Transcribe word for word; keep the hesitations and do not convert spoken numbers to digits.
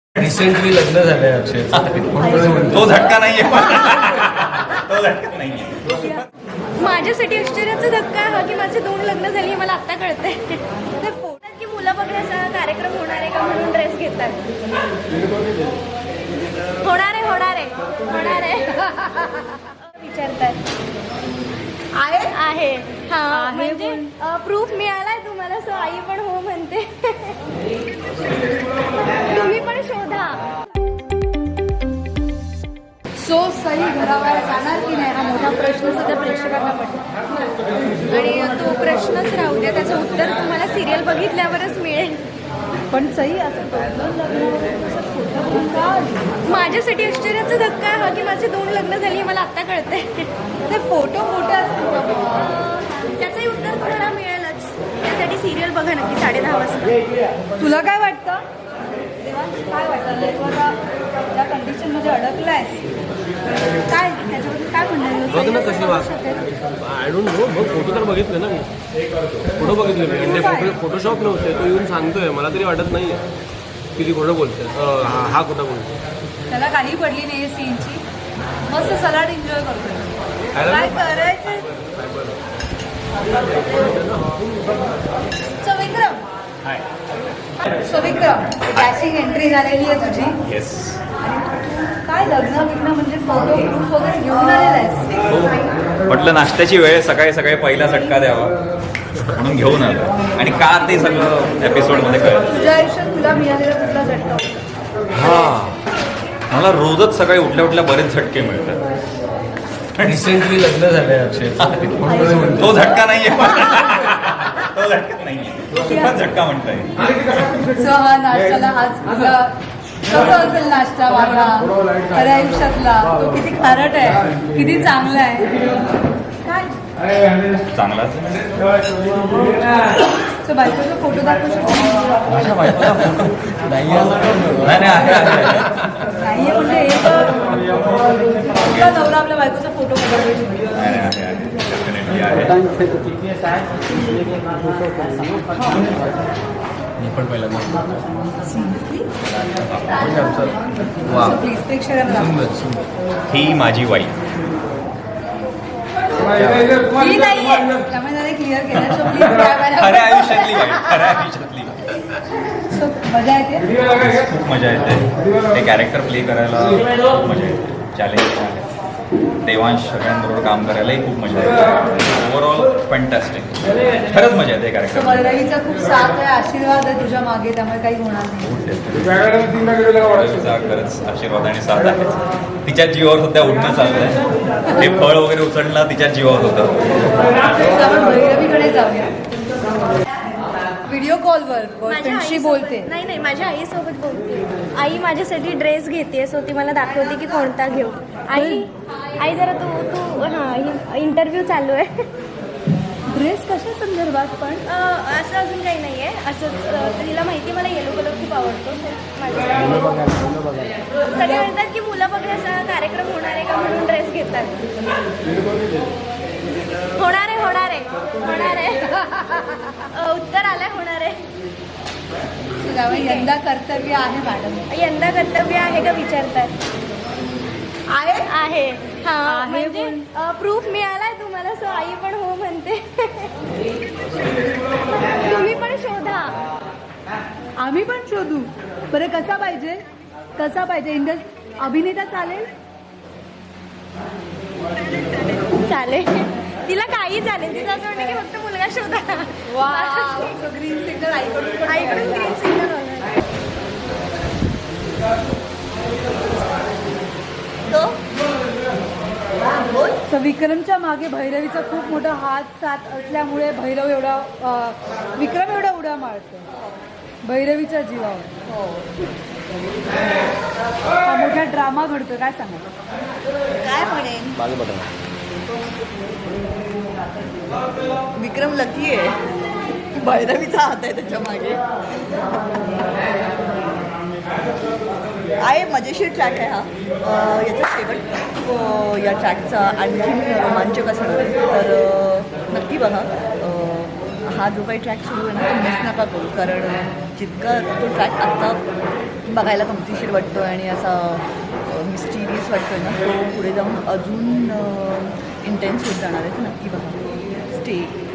Recently लग्न झालंय अक्षय. तो झटका नाहीये. तो झटका नाहीये. माझ्यासाठी आश्चर्याचा धक्का हा की माझे दोन लग्न झाली हे मला आत्ता कळतंय. ते फोटोत की मुलं बघण्याचा कार्यक्रम होणार आहे का म्हणून ड्रेस घेतात. होणार आहे होणार आहे होणार आहे विचारतात. आहे आहे हा म्हणजे प्रूफ मिळालाय तुम्हाला. सो आई पण हो म्हणते. तुम्ही पण शोधा. सो सई घराबाहेर जाणार की नाही हा मोठा प्रश्न सध्या प्रेक्षकांना पडतो आणि तो प्रश्नच राहू द्या. त्याचं उत्तर तुम्हाला सिरियल बघितल्यावरच मिळेल. पण सई असं दोन लग्नावर असं खोटं बोलून का आली? माझ्यासाठी आश्चर्याचा धक्का हा की माझे दोन लग्न झाली हे मला आत्ता कळतंय. ते फोटो मोठे असतील का बुवा? त्याचंही उत्तर तुम्हाला मिळेलच. त्यासाठी सिरियल बघा नक्की साडे दहा वाजता. तुला काय वाटतं देवांश, काय वाटतं तू आता ज्या कंडिशनमध्ये अडकलायस काय त्याच्याबद्दल काय म्हणणार बघ ना कशी वाग. I don't know. बघ फोटो तर बघितले ना मी. फोटो बघितले मी. म्हणजे फोटो फोटोशॉप नव्हते. तो येऊन सांगतोय. मला तरी वाटत नाही की ती खोटं बोलते. हा हा खोटं बोलतो. त्याला काही पडली नाही सीनची. मस्त सलाड एन्जॉय करतोय. खायला काय ना? करायचं. So Vikram so Vikram dashing entry झालेली आहे तुझी. येस. काय लग्न बिग्न म्हणजे फोटो प्रूफ वगैरे घेऊन आलेला आहेस. म्हटलं नाश्त्याची वेळ सकाळी सकाळी पहिला झटका द्यावा म्हणून घेऊन आलो. आणि का ते सगळं एपिसोडमध्ये कळलं. तुझ्या आयुष्यात तुला मिळालेला कुठला झटका होता? हा मला रोजच सकाळी उठल्या उठल्या बरेच झटके मिळतात. रिसेंटली लग्न झालंय अक्षय. तो झटका नाहीये. तो झटका नाहीये. तो सुद्धा झटका म्हणता येईल. सो हा नाश्त्याला हाच तुझा कसं असेल नाश्ता माझा खऱ्या आयुष्यातला तो किती खारट आहे किती चांगला आहे काय चांगलाच. सो बायकोचा फोटो दाखवू शकतो. माझ्या बायकोला फोटो नाही. नाही नाही आहे, आहे. नाहीये म्हणजे एक कुठला नवरा आपल्या बायकोचा फोटो काढू शकतो. नाही, नाही, आहे, आहे. Definitely आहे. मी पण पहिल्यांदा. वा. प्लीज प्रेक्षकांना दाखव. सुंदर सुंदर. ही माझी वाईफ. ही नाहीये त्यामुळे त्याने क्लिअर केलं. सो प्लीज खऱ्या आयुष्यातली वाईफ. खऱ्या आयुष्यातली सो मजा येते. खूप मजा येते. ते कॅरेक्टर प्ले करायला खूप मजा येते. चॅलेंज आहे. देवांश सगळ्यांबरोबर काम करायलाही खूप मजा येते. Overall fantastic. खरंच मजा येते सो कॅरेक्टर. भैरवीचा खूप साथ आहे आशीर्वाद आहे तुझ्या मागे त्यामुळे काही होणार नाही. खरंच आशीर्वाद आणि साथ आहे. तिच्या जीवावर सध्या उठणं चालू आहे. ते फळ वगैरे उचलणं तिच्या जीवावर होतं. सो आपण भैरवीकडे जाऊया. व्हिडिओ कॉलवर माझ्या बॉयफ्रेंडशी आईसोबत- बोलते. नाही नाही माझ्या आईसोबत बोलते. आई माझ्यासाठी ड्रेस घेते. सो ती मला दाखवते की कोणता घेऊ. आई आई जरा तू तू हां इंटरव्ह्यू चालू आहे. ड्रेस कशा संदर्भात पण अं, असं अजून काही नाही आहे. असंच अं, तिला माहिती मला येलो कलर खूप आवडतो. माझ्यासाठी सगळे म्हणतात की मुलं बघण्याचा कार्यक्रम होणार आहे का म्हणून ड्रेस घेतात. होणार आहे होणार आहे होणार आहे अं, उत्तर आलंय होणार आहे. सो त्यामुळे यंदा कर्तव्य आहे मॅडम. यंदा कर्तव्य आहे का विचारतात. आहे आहे हा आहे म्हणजे बोल. प्रूफ मिळालाय तुम्हाला. सो आई पण हो म्हणते. तुम्ही पण शोधा. आम्ही पण शोधू. बरं कसा पाहिजे कसा पाहिजे इंडस्ट अभिनेता चालेल. चालेल. तिला काही चालेल. तिचं असं वाटतं की फक्त मुलगा शोधा. वा ग्रीन सिग्नल आईकडून आईकडून ग्रीन सिग्नल सो विक्रमच्या मागे भैरवीचा खूप मोठा हात साथ असल्यामुळे भैरव एवढा अं, विक्रम एवढा उड्या मारतो भैरवीच्या जीवावर. हा मोठा ड्रामा घडतो. काय सांगा काय म्हणेन. विक्रम लकी आहे. भैरवीचा हात आहे त्याच्या मागे. आहे मजेशीर ट्रॅक आहे हा. अं, याचा शेवट अं, या ट्रॅकचा आणखी रोमांचक असणार आहे. तर अं, नक्की बघा. अं, हा जो काही ट्रॅक सुरू आहे ना तो मिस नका करू. कारण जितका तो ट्रॅक आत्ता बघायला गमतीशीर वाटतो आणि असा मिस्टिरियस वाटतोय ना, तो पुढे जाऊन अजून इंटेन्स होत जाणार आहे. तर नक्की बघा. स्टे